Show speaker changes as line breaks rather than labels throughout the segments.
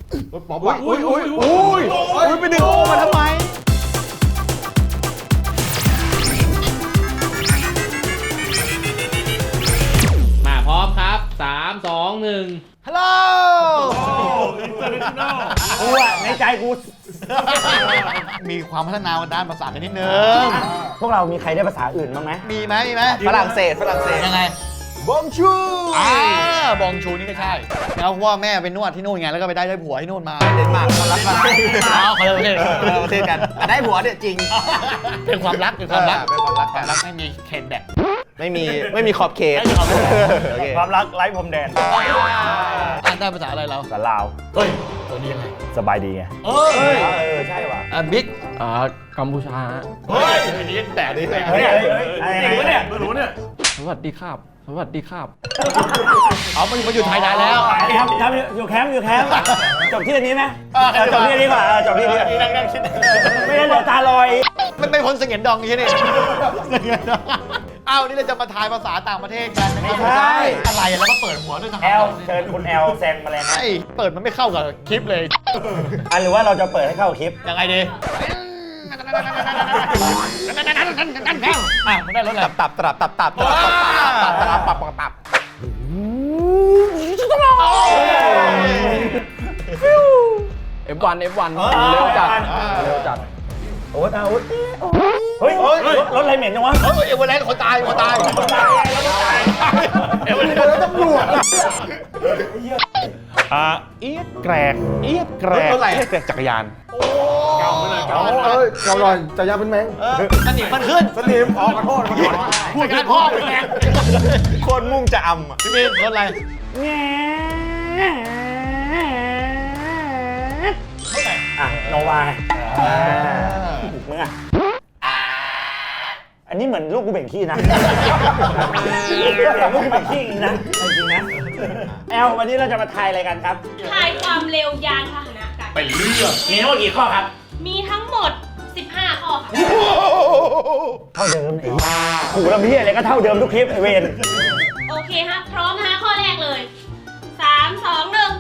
ปอบอุ้ยไปดึงโอมาทำไม
มาพร้อมครับ3 2 1
ฮัลโหล
กูอะในใจกู
มีความพัฒนาด้านภาษากันนิดนึง
พวกเรามีใครได้ภาษาอื่นบ้างไหม
มีไหม
ฝรั่งเศส
ยังไงบองชูบองชูนี่ก็ใช่แล้วเพราะว่าแม่ไปนวดที่นู่นไงแล้วก็ไปได้ผัวที่นู่นมา
เดนมาร์กคนรักกัน
เขาเลยประเทศกัน
แต่ได้ผัวเนี่ยจริง
เป็นความรักเป็นความรัก
ไม่มีเขตแดกไม่มีขอบเขตความรักไร้พรมแดน
อ่านได้ภาษาอะไรเรา
ภาษาลาว
เฮ้ยตัวนี้ยังไง
สบายดีไงใช่ว่ะ
บิ๊ก
กัมพูชา
เฮ้ยนี่แต่ดิ
เนี่ย
ไม่รู้เนี่ย
สวัสดีครับสวัสดีครับ
เอามาอยู่ไทยนานแล้ว
ทำอยู่แคมป์จบที่นี้ไหมจบที่นี้ก่อนจบที่นี้
นั่งคิด
ไม่งั้นเดี๋ยวตาลอย
ไม่พ้นเสงี่ยมดองใช่ไหมอ้าวนี่เราจะมาทายภาษาต่างประเทศกัน
ไม่ใช่
อะไรแล้วก็เปิดหัวด้วยทหาร
เชิญคุณแอลแซงมาแล้วนะ
เปิดมันไม่เข้ากับคลิปเลย
หรือว่าเราจะเปิดให้เข้าคลิป
ยังไงดีมันได้รถอะไร
ตับ
F1 เร็วจัด
โอ๊ตเฮ้ยรถอะไรเหม็นจังวะ
เอเวอเรสต์คนตายเอเวอเรสต์ตำรวจ
เอี๊ยดแกรกจักรยาน
เก่า
หน่อยจักรยานเป็นแมง
สนิมมันขึ้น
สนิมขอโทษ
พูดพ่อเป็นแมง
โคตรมุ่งจะ
พี่มีรถอะไร
โนวามึงอันนี้เหมือนลูกกูเบ่งขี้นะลูกกูเบ่งขี้จริงนะแอลวันนี้เราจะมาทายอะไรกันครับ
ทายความเร็วยานพาหนะกัน
ไปเรื่อง
มีทั้งหมดกี่ข้อครับ
มีทั้งหมด15ข้อค่ะ
เท่าเดิมไอ้ขู่ลำพี่อะไรก็เท่าเดิมทุกคลิปไอเวน
โอเคฮะพร้อมนะข้อแรกเลย3 2 1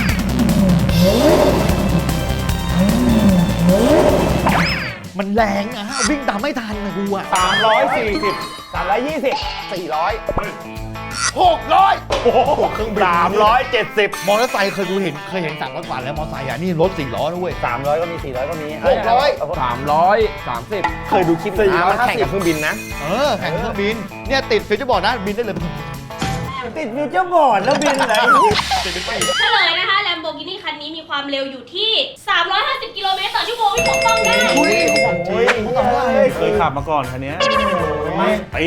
มันแรงอะวิ่งตามไม่ทันนะกูอะ
340 320 400
600
โอ้โหเครื่องบิน370
มอเตอร์ไซค์เคยเห็น300 กว่าแล้วมอเตอร์ไซค์อะนี่รถ4 ล้อด้วย
300ก็มี400ก็มี
330
เคยดูคลิปมันแข่งกับเครื่องบินนะ
แข่งเครื่องบินเนี่ยติดฟิวเจอร์บอร์ดนะบินได้เลย
ติดฟิวเจอร์บอร์ดแล้วบินอะไร
เฉลยนะคะ Lamborghini คันนี้มีความเร็วอยู่ที่350 กิโลเมตรต่อชั่วโมงที่ปกป้องได้
เคยขับมาก่อนคันนี้ตี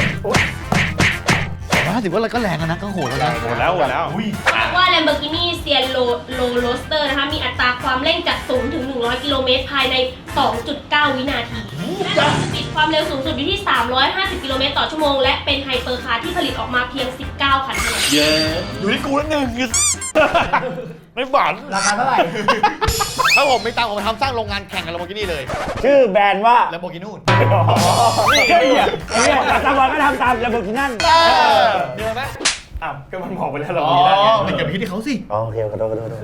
ถือว่าอะไรก็แรงนะก็โหดแล้วนะ
โหดแล้ว
ว่า Lamborghini Sienna Roadster นะคะมีอัตราความเร่งจาก0 ถึง 100 กิโลเมตรภายใน 2.9 วินาทีและสปีดความเร็วสูงสุดอยู่ที่350 กิโลเมตรต่อชั่วโมงและเป็นไฮเปอร์คาร์ที่ผลิตออกมาเพียง19 คันเท่านั้น
อยู่ที่กูแล้วหนึ่งไม่ฝัน
ราคาเท่าไหร่
ถ้าผมไม่ตามผมทำสร้างโรงงานแข่งกับ Lamborghini เลย
ชื่อแบรนด์ว่า
Lamborghini นู่น
นี่ไงตามวันก็ทำตาม Lamborghini นั่น
เดี๋ยวไหม
ก็มันบอกไปแล้วเรามีได้ไง
มันจะไปคิดที่เขาสิ
โอเคขอโทษโทษ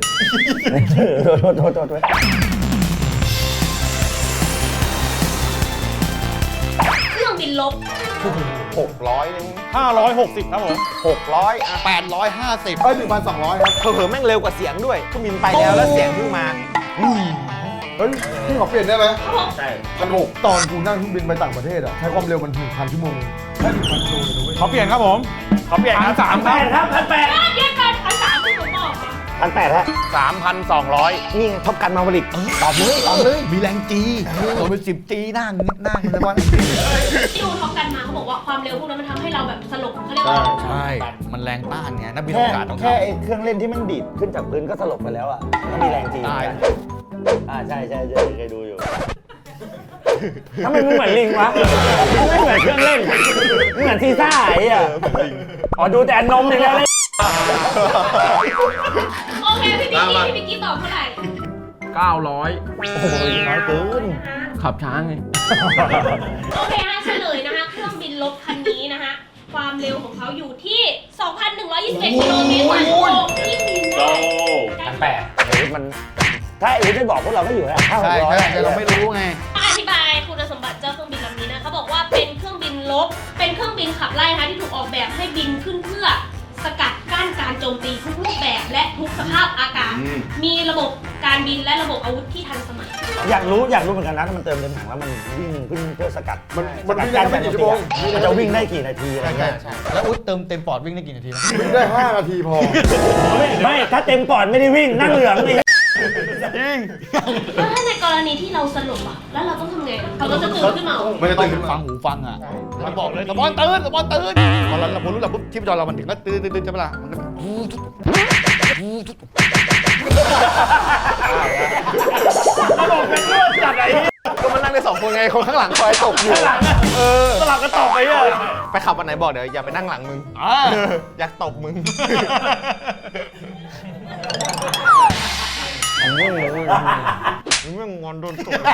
เครื่องบินลบ
600นึง560ครับผม600
850
1,200ครับ
เผลอแม่งเร็วกว่าเสียงด้วยเครื่องบินไปแล้วเสียงเพิ่งมา
เฮ้ยพี่ขอเปลี่ยนได้ไหม
ใช่
1,600ตอนกูนั่งเครื่องบินไปต่างประเทศอะใช้ความเร็วมัน 1,000 ชั่วโมงแค่ 1,000 กิโลเลยนะเว้ย
เขาเปลี่ยนครับผมเขาเปลี่ยนครับ1,800ครับ1,800
เดี๋ยวกัน1,300ที่ผมบอก
1,800ฮะ3,200นี่ท็อปกันมาผลิต
ตอบเลยมีแรงจีโดนเป็น10 จีนั่งเลยว่า
ที่ดูท็อปกันมาเขาบอกว่าความเร็วพวกนั้นมันทำให้เราแบบสลบเขาเรียกว่า
ใช่มันแรงต้านไงนักบินอวกาศต้อง
แค่เครื่องเล่นที่มันดีดขึ้นจากพื้นก็สลบไปแล้วอ่ะมันมีแรงจีใช่เคยดูอยู่ทำไมมึงเหมือนลิงวะไม่เหมือนเครื่องเล่นเหมือนซีซ่าไอ้อะดูแต่นมอย่างเดียวเลย
โอเคพี่บิ๊กกี้ตอบเท่าไหร่
900
โอ้โหน้อยเกิน
ขับช้าไง
โอเคฮะเฉลยนะคะเครื่องบินลบคันนี้นะคะความเร็วของเขาอยู่ที่ 2,121 กิโลเมตรต่อชั่วโมงที่บินได้
1,800ไอ้วุฒิมันถ้าไอ้วุฒิไม่บอกพวกเราก็อยู่แล้ว
ใช่
500
ใช่แต่เราไม่รู้ไง
อธิบายคุณสมบัติเจ้าเครื่องบินลำนี้นะเขาบอกว่าเป็นเครื่องบินรบเป็นเครื่องบินขับไล่นะคะที่ถูกออกแบบให้บินขึ้นเพื่อสกัดกั้นการโจมตีทุกรูปแบบและทุกสภาพอากาศ มีระบบการบินและระบบอาวุธที่ทันสมัย
อยากรู้เหมือนกันนะถ้ามันเติมเต็มถังแล้วมันวิ่งขึ้นเพื่อสกัด
มันวิ่งได้ไม่กี่ชั่วโมง
มันจะวิ่งได้กี่นาทีอะไรเงี้ย
แล้วอุ๊ยเติมเต็มปอดวิ่งได้กี่นาทีนะ
วิ่งได้5 นาทีพอ
ไม่ถ้าเต็มปอดไม่ได้วิ่งนั่งเหลืองนี่
แล้วถ้าในกรณีที่เราสลบอ่ะแล้วเราต้องทำไงเขาก็จะตื่นขึ้นมา
ไม่ได้ตื่นขึ้นมา
ฟังหูฟังอ่ะมันบอกเลยสปอนตื่นพอเรารู้แล้วปุ๊บที่จอเรามันถึงก็ตื่นใช่ไหมล่ะมันก็
ก็มานั่งได้2 คนไง คนข้างหลังคอยตบอยู่
สลับกันต่อไปอ่ะ
ไปขับวันไหนบอกเดี๋ยวอย่าไปนั่งหลังมึง อยากตบมึง มึงไม่งอนโดนตบ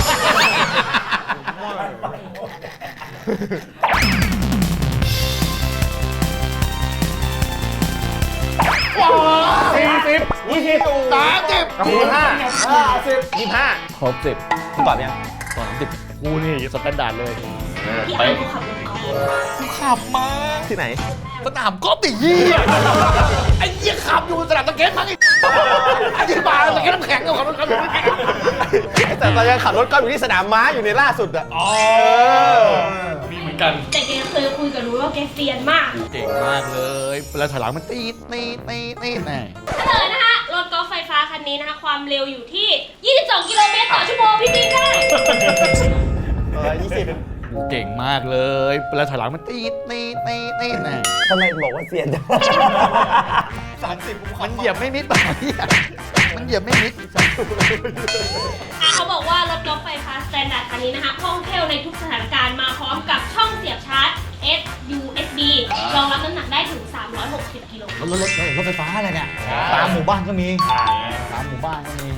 ครบ10
คุณตอบยัง
กูนี่สแตนดาร์ดเลย
พี่อันเขาขับรถกอล์ฟ
กูขับมา
ที่ไหน
สนามกอล์ฟดิยี่ไอ้ยี่ขับอยู่สนามตะเกียบมั้งไอ้ยี่บาตะเกียบน้ำแข็งกับขับรถ
แต่ตอนยังขับรถก็อยู่ที่สนามม้าอยู่ในล่าสุดอะ
มีเหมือนกัน
แต่แกเคยคุยกับรู้ว่าแกเซียนมาก
เก่งมากเลยแล้วถอยหลังมันตีแน่
เฉลยนะคะรถกอล์ฟไฟฟ้าคันนี้นะคะความเร็วอยู่ที่ 22 กิโลเมตรต่อชั่วโมงพี่บินได้
20
เก่งมากเลยแล้วถอยหลังมันตีแน่
ทำไมบอกว่าเสียนจัง
มันเหยียบไม่มิดต่อเนี่ยมันเหยียบไม่มิด
เขาบอกว่ารถกอล์ฟไฟฟ้าสแตนดาร์ดคันนี้นะคะคล่องแคล่วในทุกสถานการณ์มาพร้อมกับช่องเสียบชาร์จ USB รองรับน้ำหนักได้ถึง 360 กิโล
รถไฟฟ้าอะไรเนี่ยตามหมู่บ้านก็มีตามหมู่บ้านก็มี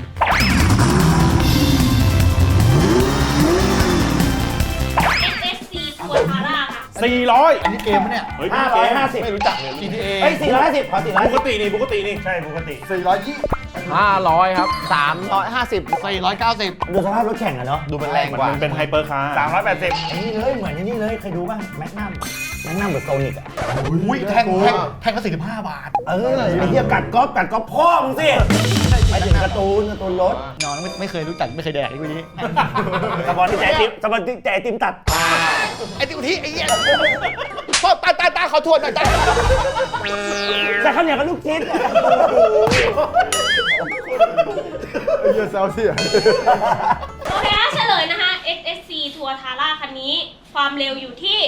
SSC ตัวทาร่าค่ะ
อันนี้เกมปะเนี่ย
550
ไม่รู้จักเลย
GTA
เฮ้ย450ขอ450
ปกตินี่
ใช่ปกติ
500 ครับ 350
490
ดูสภาพรถแข่งอะเนาะ
ดูมันแรงกว่า
มันเป็นไฮเปอร์คาร์
ไอ้นี่เลยเหมือนไอ้นี่เลยเคยดูป่ะแมกนัมเหมือนโซนิกอะ
อุ้ยแท่งก็45 บาท
ไอ้เหี้ยกัดก๊อฟพ่อมึงสิไปถึงการ์ตูนรถ
นอนไม่เคยรู้จักไม่เคยแดกไอ้พวกนี้
สปอนที่แจติมตัด
ไอ้ที่ที่ไอ้เหี้ยพ่อตาขอโทษหน่อยตา
แต่ข้าวเหนียวกับลูกชิ้น
ไอ้เหี้ยแซวเสีย
โอเคนะเฉลยนะคะ SSC ทัวร์ทาร่าคันนี้ความเร็วอยู่ที่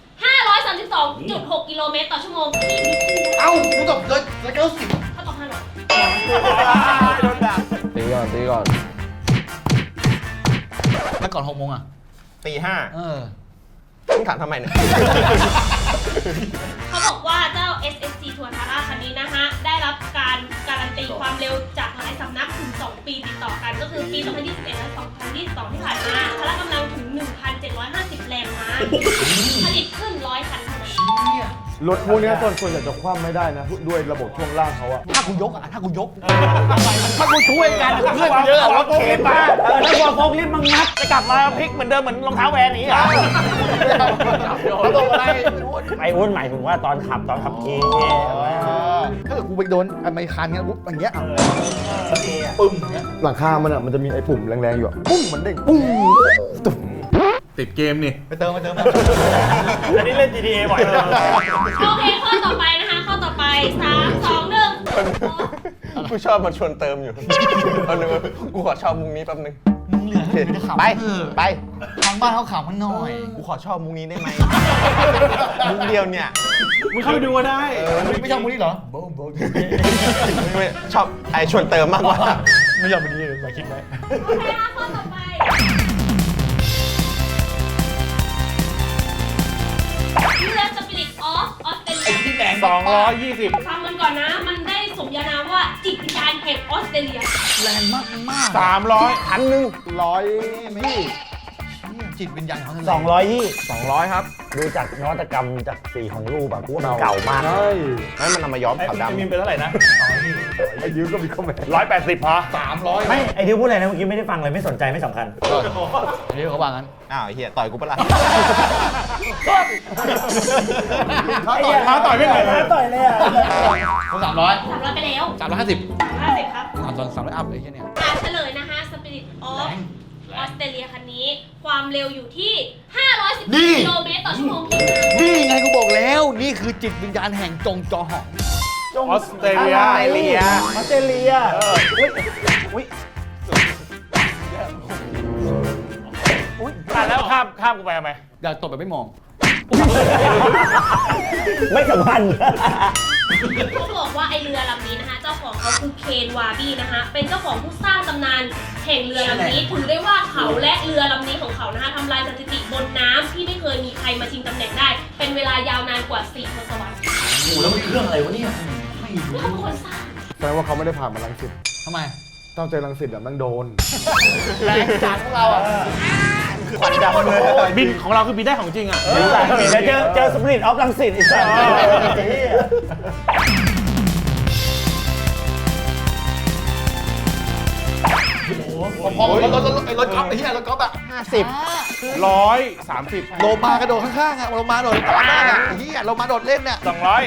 532.6 กิโลเมตรต่อชั่วโมงพี่นิกกี้
เอ้ากูตบเลย90
เขาตอบ500
โดนด่า
ตีก่อน
แล้วก่อน6 โมงอ่ะ
ตี 5 มึงถามทำไมเนี่ย
เขาบอกว่าเจ้า SSC ทัวร์ทาร่าคันนี้นะคะ ได้รับการการันตีความเร็วจากหลายสำนักถึง 2 ปีติดต่อกัน ก็คือปี 2021 และ 2022 ที่ผ่านมาพละกำลังถึง 1,750 แรงม้า ผลิตขึ้น 100 คันเท่านั้น
รถพวกเนี้ยส่วนใหญ่จะคว่ำไม่ได้นะ ด้วยระบบช่วงล่างเขาอะ
ถ้ากูยกถ้ากูช่วยกันเพื่อนเยอะอะรถเข็นมา
ถ้ากลัวโฟกลิฟต์มึงงัด
จะกลับมาพลิกเหมือนเดิมเหมือนรองเท้าแวนนี้อ่ะ
เขาลงอะไร
ไอ้อ้วนหมายถึงว่าตอนขับขี่
ถ้าเกิดกูไปโดนไมคันเงี้ยปุ๊บอย่างเงี้ย
หลังคามันอะมันจะมีไอ้ปุ่มแรงๆอยู่อะปุ้งมันเด้งปุ้งตุ๊บ
ติดเกมนี่
ไปเติม
อันนี้เล่น GTA บ่อยเลย
โอเค ข้อต่อไปนะคะ ข้อต่อไป 3 2 1
กูชอบมาชวนเติมอยู่เอาหนึ่งกูขอชอบมุงนี้แป๊บนึง
มึงเหลือให้มึงจะขำ
ไป
ทางบ้านเขาขำมันหน่อย
กูขอชอบมุงนี้ได้ไหม มุงเดียวเนี่ย
มึงเข้าไปดูก็ได้
ไม่ชอบมึงนี่เหรอ
ไม่ชอบไอชวนเติมมากกว่า
ไม่ชอบมึงนี่เลยคิดไว้
โอเคค่ะข้อต่อไปเรือ Spirit of Australia
ที่แดง
220
ฟังมันก่อนนะ มันได้สมญานามว่าจิตวิญญาณแห่งออสเตรเลีย
แรงมาก
300
1,000
ร้อยพี่
จิตวิญญาณของทะเล
200
ครับ
ดูจากนวัตกรรมจากสีของรูปอะกูว่ามันเก่ามาก
ใช่
ให้มันนำมาย้อมขาวดำ
มินเป็นเท่าไหร่นะ
ไอ้ดิวก็มีคอมเมนต์
180พอ
300
ไม่ไอ้ดิวพูดอะไรนะเมื่อกี้ไม่ได้ฟังเลยไม่สนใจไม่สำคัญ
อันนี้เขาว่างั้น
อ้าวไอ้เฮียต่อยกูปะล่ะ
ท้าต่อยไม่ไหว
ต่อยเลยอ่ะ
เขา300
300ไปแล้ว
350
350ครับ
300อัพเลยแค่เนี้ย
เฉลยนะคะ Spirit of ออสเตรเลียคันนี้ ความเร็วอยู่ที่ 510 กิโลเมตรต่อชั่วโมงพี่
นี่ไงกูบอกแล้ว นี่คือจิตวิญญาณแห่งจงจอหอง
ออสเตรเลีย
ออสเตรเลียอุ้ย
แล้วข้ามกูไปทำไม
อย่าตบแบบไม่มอง
ไม่สัมพันธ์
เขาบอกว่าไอเรือลำนี้นะคะเจ้าของเขาคือเคนวาบี้นะคะเป็นเจ้าของผู้สร้างตำนานแห่งเรือลำนี้ถือได้ว่าเขาและเรือลำนี้ของเขานะคะทำลายสถิติบนน้ำที่ไม่เคยมีใครมาชิงตำแหน่งได้ เป็นเวลายาวนานกว่า4 ทศวรรษ
โอ้แล้วมันเครื่องอะไรวะเนี่ยไม่รู้
เขาเป็นคนสร้าง
แสดงว่าเขาไม่ได้ผ่านมารังสิต
ทำไม
ตั้งใจรังสิตอะมันโดน
แรงจานของเราอ่ะ
ขวัญดำเลย
บินของเราคือบินได้ของจริงอ่ะ
เจอสปริตออฟลังสิตอีกสัก
พอรถก๊อฟไอ้เหี้ยรถก๊อฟอะ
130
โลมากระโดดข้างๆอะโลมาโดดตามหน้าอะไอ้เหี้ยโลมาโดดเล่นเนี่ย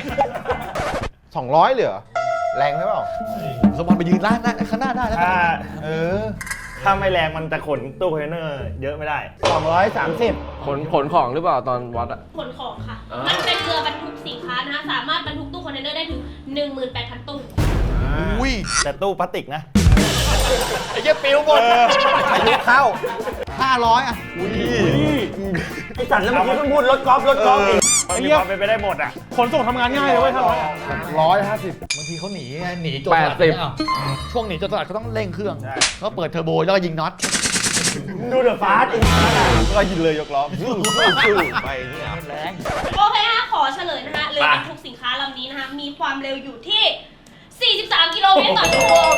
200เหลือแรงใช่เปล่า
สมอนไปยืนร้านข้างหน้าได้แล้ว
ถ้าไม่แรงมันจะขนตู้คอนเทนเนอร์เยอะไม่ได้230
ขนของหรือเปล่าตอนวัดอะ
ขนของค่ะ มันเป็นเรือบรรทุกสินค้านะคะสามารถบรรทุกตู้คอนเทนเนอร์ได้ถึง 18,000 ตู้
อุ้ย
แต่ตู้พลาสติกนะ
ไอ้เหี้ยปิวหมดอายุเข้า500อะ
ไอสัตว์แล้วเมื่อกี้เพิ่งพูดรถกอล์ฟอีก
มันมีความเป็นไปได้หมดอ่ะ ขนส่งทำงานง่ายเลยเว้ย500อ่ะ
150
บางทีเขาหนีไงหนีโจรสลัดเนี่ยอ้าวช่วงหนีโจรสลัดเขาต้องเร่งเครื่องเขาเปิดเทอร์โบแล้วก็ยิงน็อต
ดูเดอะฟาสต์อีก
ก็ยิงเลยยกล้อไปเนี่ย
แรง
โอเคนะคะขอเฉลยนะคะเรือบรรทุกสินค้าลำนี้นะคะมีความเร็วอยู่ที่ 43 กิโลเมตรต่อชั่วโมง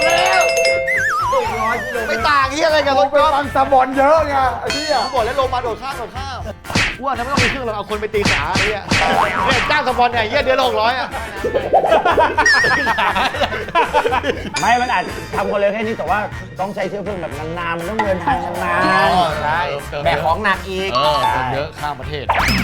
ไม่ต่างเหี้ยอะไรกับรถ
ไป
ก๊อฟ
ฟังสะบอนเยอะไงไอ้เหี้ย
เขาบอกแล้วลงมาโดดข้ามว่านั้นไม่ต้องมีเครื่องเราเอาคนไปตีขาไอ้เหี้ยเนี่ยจ้างสปอนเนี่ยเหี้ยเดือนละ600อะ
ไม่มันอาจทำคนเร็วแค่นี้แต่ว่าต้องใช้เชื้อเพลิงแบบนานๆมันต้องเดินทางนาน
ใช่
แบกของหนักอีก
เติมเยอะข้ามประเทศ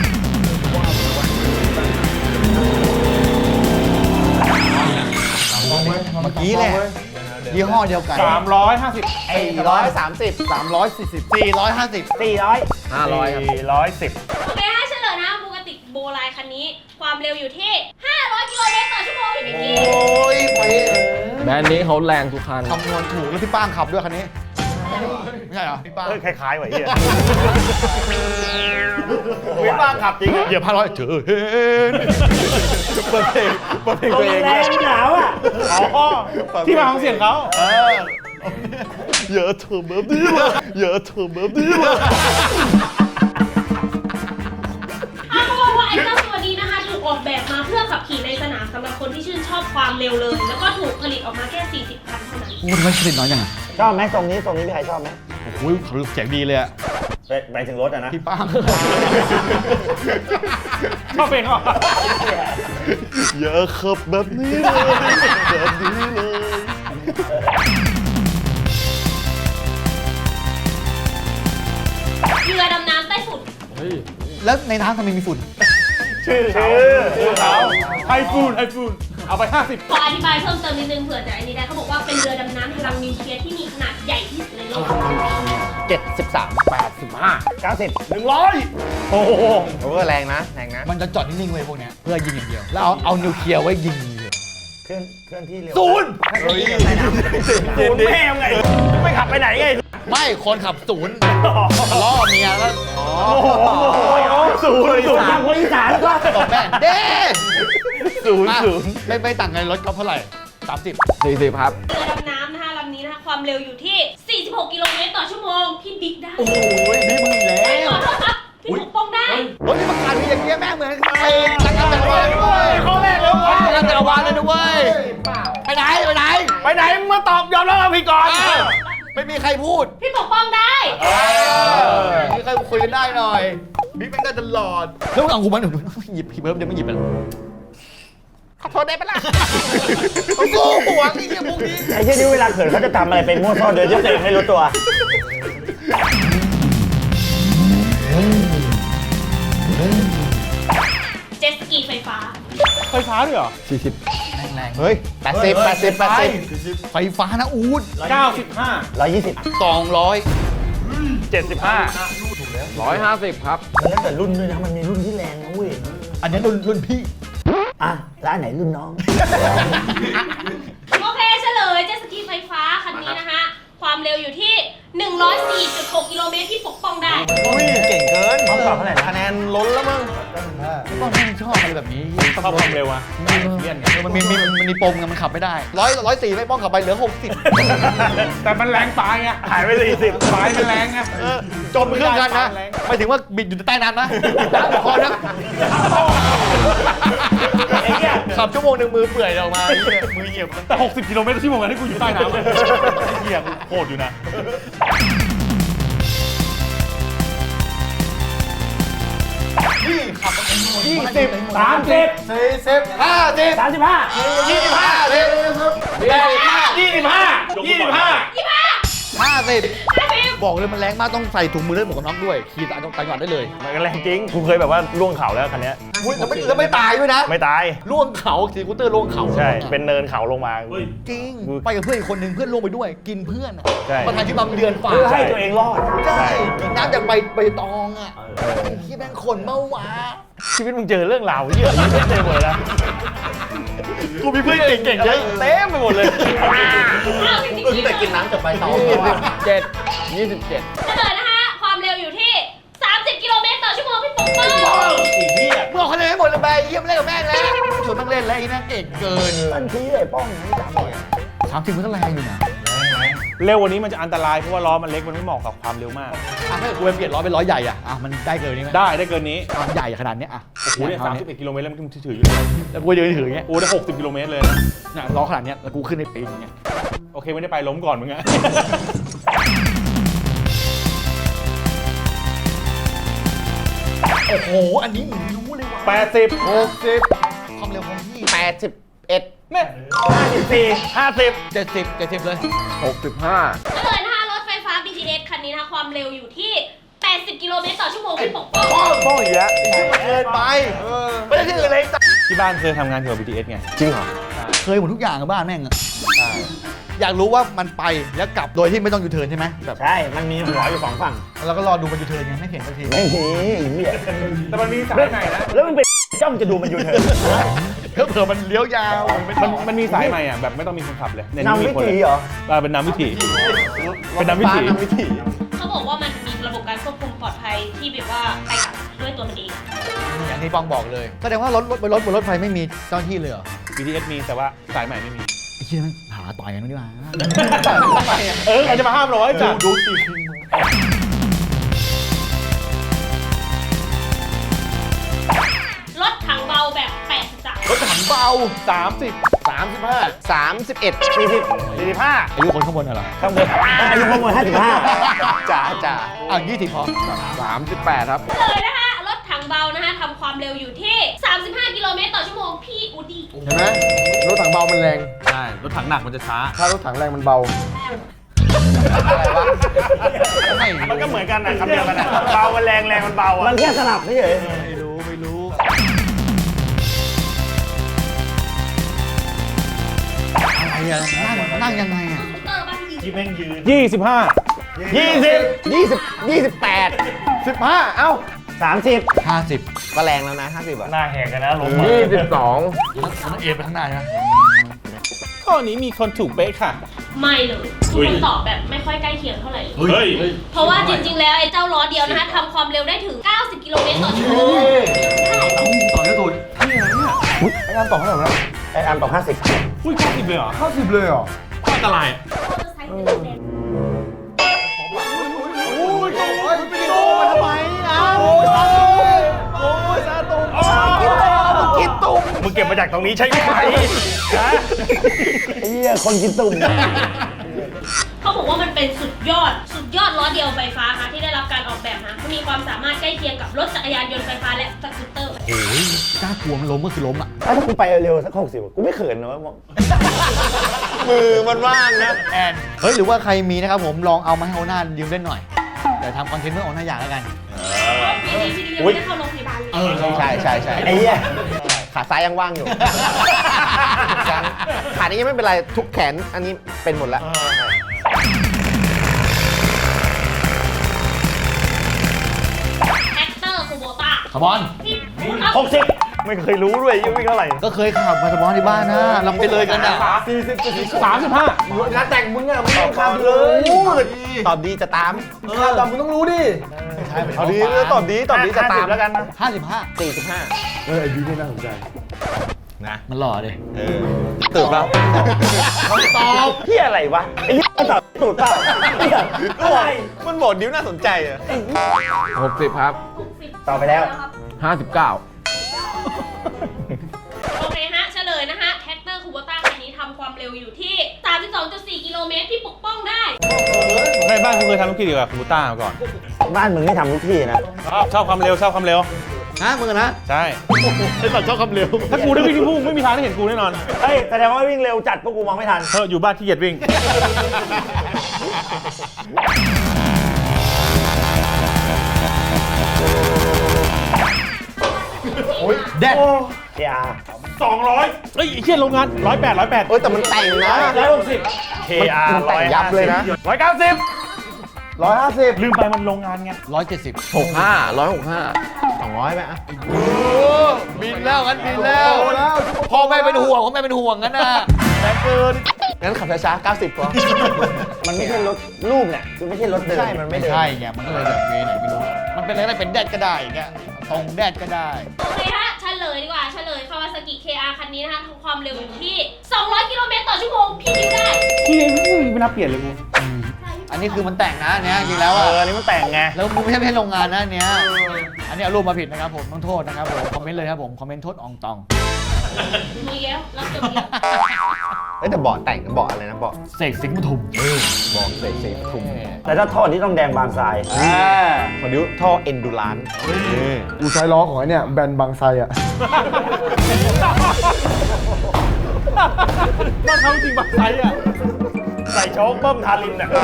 เมื่อกี้แหละยี่ห้อเดียวกัน
350
430
340 450
400
500ครับ
โอเคให้เฉลยนะบูกติกโบไลคันนี้ ความเร็วอยู่ที่ 500 กิโลเมตรต่อชั่วโมงพี่มิกกี้
โอ้ยไป
แบรนด์นี้เขาแรงทุกคัน
คำนวณถูกแล้วพี่ป้างขับด้วยคันนี้ ไม่ใช่เหรอพี่ป้าง
คล้ายๆว่ะเฮีย
วิบ้างขับจริง
เหยียบ500เจอเห็น
เปิดเพลงตัวเอง
แรงหนาวอ่ะ
อ๋อ ที่มาของเสียงเขา
เยอะเถอะแบบนี้เลยเยอะเถอะแบบนี้เลย
เขาบอกว่าไอ้เจ้าตัวนี้นะคะถูกออกแบบมาเพื่อขับขี่ในสนามสำหรับคนที่ชื่นชอบความเร็วเลย แล้วก็ถูกผลิตออกมาแค่ 40 คันเท่านั้น
พูดไม่ผลิตน้อยยังไง
ชอบไหมทรงนี้พี่ใครชอบไหม
โอ้ยเขาเสียงดีเลยอะ
ไปถึงรถอ่ะนะ
พี่ป้าง
ชอบเพลงเขา
อย่าขับแบบนี้เลยแบบนี้เลย
เรือดำน้ำใต้ฝุ่น
แล้วในน้ำทำไมมีฝุ่น
ชื่อเขาไอฟูนเอาไป 50
ขออธิบายเพิ่มเติมนิดนึงเผื่อจะไอ้นี่ได้เขาบอกว่าเป็นเรือดำน้ำพลังนิวเคลียร์ที่มีขนาดใหญ่ที่สุดในโลก
90
โอ้โห
โอ้แรงนะแรงนะ
มันจะจอดนิ่งๆไว้พวกเนี้ยเพื่อยิงอย่างเดียว แล้วเอานิวเคลียร์ไว้ยิงเลย
เคลื่อนที่เร็ว
ศูนย์
ศูนย์แม่งไงไม่ขับไปไหนไง
ไม่คนขับศูนย์ล้อเมียแล้ว
ศูนย์ทางคนอีสานก็
ตบแม่งเด้
ศูนย์
ไม่ต่างกันรถก็เท่าไหร่30
40 ครับ
เรือดำน้ำนะคะลำนี้นะคะความเร็วอยู่ที่ 46 กิโลเมตรต่อชั่วโมงพี่บิ๊กได้
โอ้ยนี่มึงอีก
ไม่
แล้ว
ขอโทษครับพี่ปกป้องได้
รถที่ประกาศมีอย่างเงี้ยแม่งเหมือนไอ้จักรจักรวาลเลยเว้ย
ข้อแรกแล้ววะ
จักรวาลเลยนะเว้ยไปไหน
ไปไหนมึงมาตอบยอมรับเราผิดก่อน
ไม่มีใครพูด
พี่ปกป้องได้
มีใครคุยกันได้หน่อยบิ๊กเป็นกันตลอดแล้วมึงเอากูมาหนูหยิบพี่เบิร์ดเดี๋ยวไม่หยิบไปขอโทษได้ปะล่ะโอ้โหหัวนี่พวกนี้
ไอ้เช่นนี้เวลาเขินเขาจะทำอะไรเป็นมั่วซ่อนโดยที่ตัวเองไม่รู้ตัว
เจ็ตสกีไฟฟ้า
ไฟฟ้าด้วยเหรอ
แรง
เฮ้ย80
ไฟฟ้านะอูด
95
120
200
75
150 ครับ
มันแล้วแต่รุ่นด้วยนะมันมีรุ่นที่แรงนะเว้ย
อันนี้รุ่นพี่
อ่ะแล้วอันไหนรุ่นน้อง
โอเคเฉลยเจ็ตสกีไฟฟ้าคันนี้นะคะ ความเร็วอยู่ที่ 104.6 กิโลเมตรที่ปกป้องได้
อุ้ยเก่งเกิน
เขาตอบเท่าไหร่นะ
คะแนนล้นแล้วมั้งไม่ต้องชอบอะไรแบบนี้
ชอบความเร็วอะ
มันมีปมไงมันขับไม่ได้104ไม่ป้องขับไปเหลือ60
แต่มันแรงตายไงหายไป40ตายมันแรงไง
จมเครื่องกันนะไม่ถึงว่าบิดอยู่ใต้น้ำนะพอนะขับชั่วโมงหนึ่งมือเปื่อยออกมามือเหยียบ
แต่60 กิโลเมตรต่อชั่วโมงที่กูอยู่ใต้น้ำไอ้เหี้ยโคตรอยู่นะ
นี่ขับ
30
30
40 50
35
50บอกเลยมันแรงมากต้องใส่ถุงมือและหมวกกันน็อกด้วยขี่ต่างจังหวัดได้เลย
มันก็แรงจริงกูเคยแบบว่าล่วงเขาแล้วคันนี้
แล้วไม่ตายด้วยนะ
ไม่ตาย
ล่วงเขาสกูตเตอร์ล่วงเขา
ใช่ เป็นเนินเขาลงมา
จริงไปกับเพื่อนอีกคนหนึ่งเพื่อนล่วงไปด้วย กินเพื่อนอ่ะ
ใช่
ประธานที่บำเดือนฝ่า
เพื่อให้ตัวเองรอด
ใช่กินน้ำจากใบตองอ่ะที่แม่งขนเมื่อวา
ชีวิตมึงเจอเรื่องราวเยอะไม่เจอหมดแล้ว
กูมีเพื่อนเก่งๆเยอะ
เต็มไปหมดเลย
อ้าวจริงๆแต่กินน้ำจากใบตอง
27
เฉลยนะคะ ความเร็วอยู่ที่ 30 กิโลเมตรต่อชั่วโมงพี่ปกป้อง
มึงเอาคะแนนให้หมดเลยไปเยี่ยมเล่นกับแม่งแล้วชวนแม่งเล่นแล้วไอ้นั่นเก่งเกิน
ทันทีเลยป้องนี่จำเลย
30มันก็แรงอยู่นะ
เร็วกวันนี้มันจะอันตรายเพราะว่าล้อมันเล็กมันไม่เหมาะกับความเร็วมาก
ถ้าเกิดกูไปเปลี่ยนล้อเป็นล้อใหญ่อ่ะมันได้เกินนี้ไหม
ได้เกินนี้
ความใหญ่ขนาดเนี้ยอ่ะ
โอ้โหเนี่ย31 กิโลเมตรแล้วมันถืออยู่เลย
แล้วกูยืนถืออย่างเงี้ย
โอ้ได้60 กิโลเมตรเลยนะ
เนี่ยล้อขนาดเนี้ยแล้วกูขึ้นในปีนอย่างเงี้ย
โอเคไม่ได้ไปล้มก่อนมึงอะ
โอ้โหอันนี้มึงรู้เลยว่ะ
80
60ความเร็วของพี่
81เนี่ย54
70เลย
65
เฉลยนะคะรถไฟฟ้า BTS คันนี้นะคะความเร็วอยู่ที่ 80 กิโลเมตรต่อชั่วโมงพี่ปกป้อง
50ป้องอีกแล้ว
เกินไปไม่ได้ที่อื่นเลย
ที่บ้านเคยทำงานเกี่ยวกับ BTS ไง
จริงเหรอ
เคยหมดทุกอย่างกับบ้านแม่งอะอยากรู้ว่ามันไปแล้วกลับโดยที่ไม่ต้องยูเทิร์นใช่ไหมแบบ
ใช่ มันมีหัวอยู่2ฝั่ง
เราก็รอดูมันยูเทิร์นไงไม่เห็นสักที
ไม่มีเหี้ย
แต่มันมีสายใหม่นะ
แล้วมึงเป็นจ้องจะดูมันอยู่เถอะ
เผื่อมันเลี้ยวยาว
มันมีสายใหม่อ่ะแบบไม่ต้องมีคนขับเลยเย
นำวิธีเหรอ
เป็นนำวิถีเป็นนำวิถี
เขาบอกว่ามันมีระบบการควบคุมปลอดภัยที่แบบว่าไปกับด้วยตัวมันเอง
อย่างที่ปองบอกเลยแสดงว่ารถบนรถไฟไม่มีเจ้าหน้าที่เลยเหรอ
BTS มีแต่ว่าสายใหม่ไม่มี
ไอ้เหี้ยมันหาต่อยกันดีกว่า
ใครจะมาห้ามเราไอ้จ่าดูสิ
รถถังเบาแบบ83
รถถังเบา
30
35 31
45
อายุคนข้างบนเหรอ
ข้างบนอายุข้างบน55
จ่า20พอ
38 ครับ
เลยนะคะรถถังเบานะคะทำความเร็วอยู่ที่ 35 กิโลเมตรต่อชั่วโมงพี่อูดี้
เห็นไหมรถถังเบามันแรง
ใช่รถถังหนักมันจะช้า
ถ้ารถถังแรงมันเบา
มันก็เหมือนกันนะคำเดียวกันนะเบามันแรงมันเบาอ่ะ
มันแค่สลับไม่เฉย
ไม่รู้อะไรอะนั่งยังไงอะ
เตอร์บ้านพี่
25
28 เอ้า 30
50
ก็แรงแล้วนะ50อ่ะ
หน้าแหกกันนะล้ม
22
มันเอียงไปข้างหน้าใช่ไหม
ข้อนี้มีคนถูกเป๊ะค่ะ
ไม่เลยทุกคนตอบแบบไม่ค่อยใกล้เคียงเท่าไหร่เลย
เฮ้ย
เพราะว่าจริงๆ แล้วไอ้เจ้าล้อเดียวนะคะทำความเร็วได้ถึง 90 กิโลเมตรต่อชั่วโมง
ต่อแล้วตูน
ไอ้งานต่อเท่าไหร่แล้ว
ไอ้อันต่อ50
อุ้ย90เลยเหรอ
50เลยเหรอ
ข้ออันตราย
มาทำไมอ้าวโอ้ยซาตุงกินตุ่ม
มึงเก็บมาจากตรงนี้ใช่ไหมฮะ
ไอ้เหี้ยคนกินตุ่ม
เขาบอกว่ามันเป็นเป็นสุดยอดล้อเดียวไฟฟ้าค่ะที่ได้รับการออกแบบมามีความสามารถใกล้เคียงกับรถจักรยานยนต์ไฟฟ้าและสกูตเตอร์
โอ้ยกล้ากลัวมันล้มก็คือล้มอ่ะ
ถ้ากูไปเร็วสัก60กูไม่เขินนะว่า
มือมันว่างนะ
แอนเฮ้ยหรือว่าใครมีนะครับผมลองเอามาให้โอน่ายืมเล่นหน่อยเดี๋ยวทำคอนเทนต์เพื่อโอน่าอยากแล้วกัน
พี่ยังไม่ได้เข้าโรงพยาบาลเลย
ใช่
ไอ้เหี้ย
ขาซ้ายยังว่างอยู่ขานี้ยังไม่เป็นไรทุกแขนอันนี้เป็นหมดแล้ว
แท็กเตอร์คูโบต้า
ขบอน
พี่พูดครับ
60ไม่เคยรู้ด้วยยังวิ่งเท่าไหร่
ก็เคยขับมาสปอนที่บ้านนะเราไปเลยกันอ่ะ
35
งานแต่งมึงอ่ะมึงต้องทำเลย
ตอบดีจะตาม
แต่มึงต้องรู้ดิ
เอาดีตอบดีจะตามแล้วกัน
55
45
ไอ้บิ๊กนี่น่าสนใจ
นะ
มันหล่อดิ
ตื่นแล้ว
ตอบเหี้ยอะไรวะไอ้เหี้ยตอบตูดเปล่าอะไร
มันบอกดิ้วน่าสนใจอะ
60 ครับ
ต่อไปแล้ว
59
โอเคฮะเฉลยนะฮะแท็กเตอร์คูโบต้าคันนี้ทำความเร็วอยู่ที่ 32.4 กิโลเมตรที่ปกป้องได้
ในบ้านกูเคยทำธุรกิจเกี่ยวกับคอมพิวเตอร์มาก่อน
บ้านมึงไม่ทำทุกที่นะ
ชอบความเร็ว
ฮะมึงนะ
ใช่
ไอ้สัตว์ชอบคำเร็ว
ถ้ากูได้วิ่งที่พุ่งไม่มีทางได้เห็นกูแน่นอน
เฮ้ยแสดงว่าวิ่งเร็วจัดพวกกูมองไม่ทัน
เธออยู่บ้านขี้เกียจวิ่ง
แดด
เกียร์
200เฮ้ยไอ้เชี่ยโรงงาน108
เอ้ยแต่มันแต่งนะ
160
KR มันแต่งยับเลยนะ
190
150
ลืมไปมันโรงงานไง
170
65 165
200ไหมอะ
บินแล้วงั้นบินแล้วพ่อแม่เป็นห่วงพ่อแม่เป็นห่วงงั้นนะแรงเกิน
งั้นขับช้าๆ90พอ
มันไม่ใช่รถรูปเนี่ยคือไม่ใช่รถเดิน
ใช่มันไม่
ไม่
เดิน
ใช่ไงมันก็เลยแบบเวไหนไม่รู้มันเป็นอะไรได้เป็นแดดก็ได้อย่างเงี้ยตรงแดดก็ได้
โอเคฮะเฉลยดีกว่าเฉลยคาวาซากิ KR คันนี้นะคะความเร็วอยู่ที่ 200 กิโลเมตรต่อชั่วโมงพี่ดิ้วได้
ที่ไม่น่าเปลี่ยนเลยกู
อันนี้คือมันแต่งนะอันเนี้ยจริงแล้ว
อั
อ่ะ
นนี้มันแต่งไง
แล้วมึงไม่ใช่โรงงานนะอันเนี้ยอันนี้เอารูปมาผิดนะครับผมต้องโทษนะครับผมคอมเมนต์เลยครับผมคอมเมนต์โทษอองตอง
มีแล้วรับจบแล้ว
เอ้ยแต่เบาะแต่งเบาะอะไรนะเบาะ
เสกสิงห์ปทุม
เบาะเสกทุ่ม
แต่ถ้าท่อนี้ต้องแดงบางทราย
ของดิ้วท่อเอนดูราน
กูใช้ล้อของไอ้เนี่ยแบรนด์บางไทรอ่ะ
บ้านเขาจริงบักไซอ่ะ
ใส่โชคเบิ้มทารินเนี่ย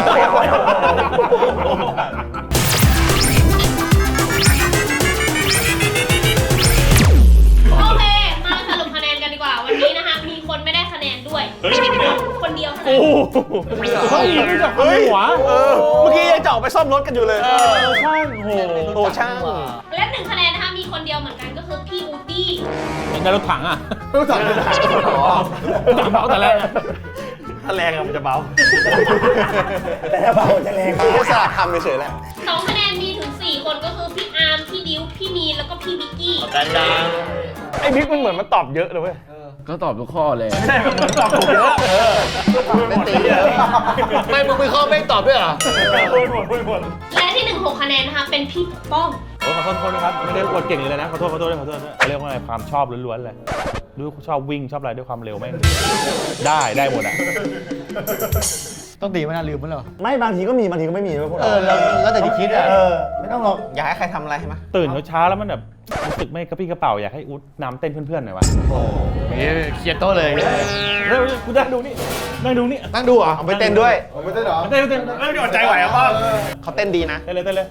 โอเค มาสรุปคะแนนกันดีกว่า วันนี้นะคะ มีคนไม่ได้คะแนนด้วย คนเดียวคะแนน
เฮ้ยไม่จับหัว
เมื่อกี้ยังจะออกไปซ่อมรถกันอยู่เลย
ช่างโห
โอ้ช่าง
และ1 คะแนนนะคะ มีคนเดียวเหมือนกันก็คือพี่อูดี้
ในรถถังอ่ะ
รู้จักเลย
ถังเบาแต่แรก
ถ้าแรงอะมันจะเบา แต่ถ้าเบาจะแรง
คือแค่สลับคำเฉยๆแหละ
2 คะแนนมีถึง 4 คนก็คือพี่อาร์ม พี่ดิว พี่มีน แล้วก็พี่บิ๊กกี้
ไอ้บิ๊กมันเหมือนมันตอบเยอะเลยเว้ย
ก็ตอบทุกข้อเลย
ใช่มันเหมือนตอบถูกเยอะ
ไม่ตีเลย
ไม่มึงไปข้อไม่ตอบด้วยเหรอ
และที่ 6 คะแนนนะคะ เป็นพี่ปกป้อง
โอ้ขอโทษนะครับ ไม่ได้อวดเก่งเลยนะ ขอโทษด้วยเขาเรียกว่าอะไรความชอบล้วนๆเลยรู้ชอบวิ่งชอบอะไรด้วยความเร็วแม่งได้หมดอ่ะ
ต้องตีมันน่าลืมมันเหรอ
ไม่บางทีก็มีบางทีก็ไม่มีด้วยพวก
เอ
เรา
อแล้วแต่จะคิดอ่ะ
ไม่ต้องหรอก
อยากให้ใครทำอะไรใช่ไหม
ตื่นเช้าๆแล้วมันแบบรู้สึกไม่กระปี้กระเป๋าอยากให้อุ๊ดน้ำเต้นเพื่อนๆหน่อยวะ
เคลียร์โต๊ะเลย
เร็วกูนั่งดูนี่นั่งดูนี่
นั่งดูเหรอ
เอาไปเต้นด้วย
ผมไม่ได้เหรอ
เต้นไม่อดใจไหวอ่ะป้า
เขาเต้นดีนะ
เต้นเลย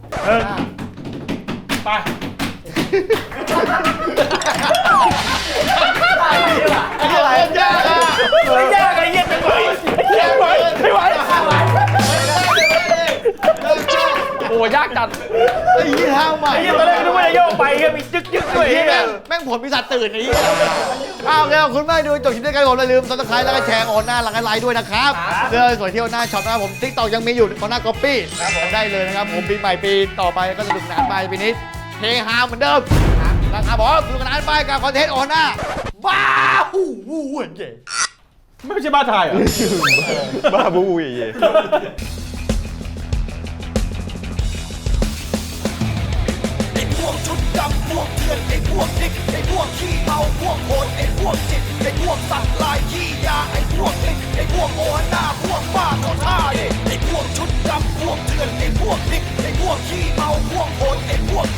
ไป
อะไรยากอ่ะ
ไม่ยากไอ้เหี้ยไม่ไหวไม่ไหว
โอ้ยากจัดไอ้ยี่ห้าใหม่
ไอ้เหี้ยตอนแรกนึกว่าจะโยกไปเหี้ยมีจึ๊กด้วย
ไอ้เหี้ยแม่งผลปีศาจตื่นไอ้เหี้ยอ้าวแล้วคุณไม่ดูจบคลิปด้วยกันผมอย่าลืมซับสไครต์แล้วก็แชร์โอนหน้าแล้วก็ไลค์ด้วยนะครับเสื้อสวยเที่ยวหน้าช็อปนะครับผมติ๊กต็อกยังมีอยู่ของหน้าก๊อปปี้ได้เลยนะครับผมปีใหม่ปีต่อไปก็สนุกสนานไปปีนี้เฮฮาเหมือนเดิมนะครับผมสนุกสนานไปกับคอนเทนต์โอนหน้าว้าวหูเก๋
ไม่ใช่บ้าไทยเหรอ
บ้าบู๊ย
ไอ้พวกชุดดำพวกเถื่อนไอ้พวกดิกไอ้พวกขี้เมาพวกโหดไอ้พวกจิตไอ้พวกสัตว์ลายขี้ยาไอ้พวกลิกไอ้พวกโอหน้าพวกบ้าเขาท่าไอ้พวกถื่อนไอ้พวกดิบไอ้พวกขี้เมาพวกโหดไอ้พวก